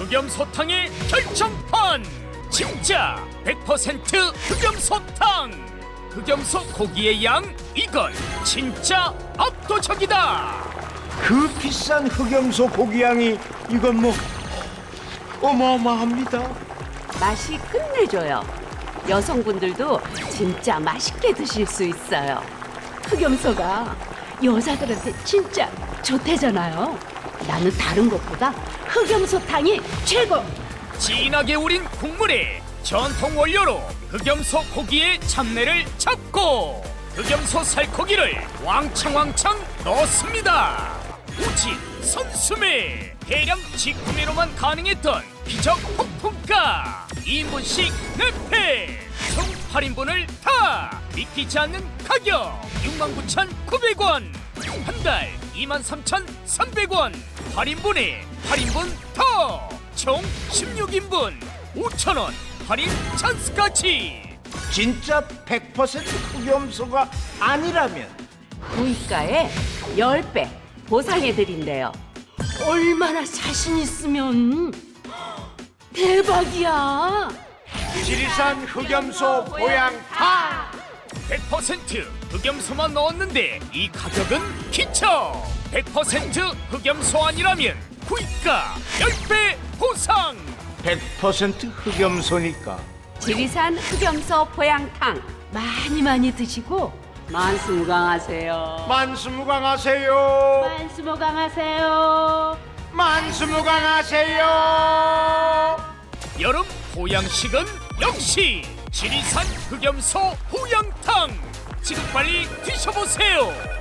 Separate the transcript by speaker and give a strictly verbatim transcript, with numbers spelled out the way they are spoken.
Speaker 1: 흑염소탕의 결정판! 진짜 백 퍼센트 흑염소탕! 흑염소 고기의 양, 이건 진짜 압도적이다!
Speaker 2: 그 비싼 흑염소 고기양이 이건 뭐 어마어마합니다.
Speaker 3: 맛이 끝내줘요. 여성분들도 진짜 맛있게 드실 수 있어요. 흑염소가 여자들한테 진짜 좋대잖아요. 나는 다른 것보다 흑염소탕이 최고!
Speaker 1: 진하게 우린 국물에 전통 원료로 흑염소 고기의 잡내를 잡고 흑염소 살코기를 왕창왕창 넣습니다. 우진, 선수매, 대량 직구매로만 가능했던 기적 폭풍가 이 인분씩 네 팩, 총 팔 인분을 다 믿기지 않는 가격 육만 구천구백 원, 한 달 이만 삼천삼백 원, 팔 인분에 팔 인분 더, 총 십육 인분 오천 원 할인 찬스까지.
Speaker 2: 진짜 백 퍼센트 흑염소가 아니라면
Speaker 3: 구입가의 십 배 보상해드린대요. 얼마나 자신 있으면 대박이야.
Speaker 2: 지리산 흑염소 보양탕.
Speaker 1: 백 퍼센트 흑염소만 넣었는데 이 가격은 기초. 백 퍼센트 흑염소 아니라면 구입가 십 배 보상.
Speaker 2: 백 퍼센트 흑염소니까
Speaker 3: 지리산 흑염소 보양탕 많이 많이 드시고 만수무강하세요.
Speaker 2: 만수무강하세요.
Speaker 3: 만수무강하세요.
Speaker 2: 만수무강하세요.
Speaker 1: 여름 보양식은 역시 지리산 흑염소 보양탕. 지금 빨리 드셔보세요.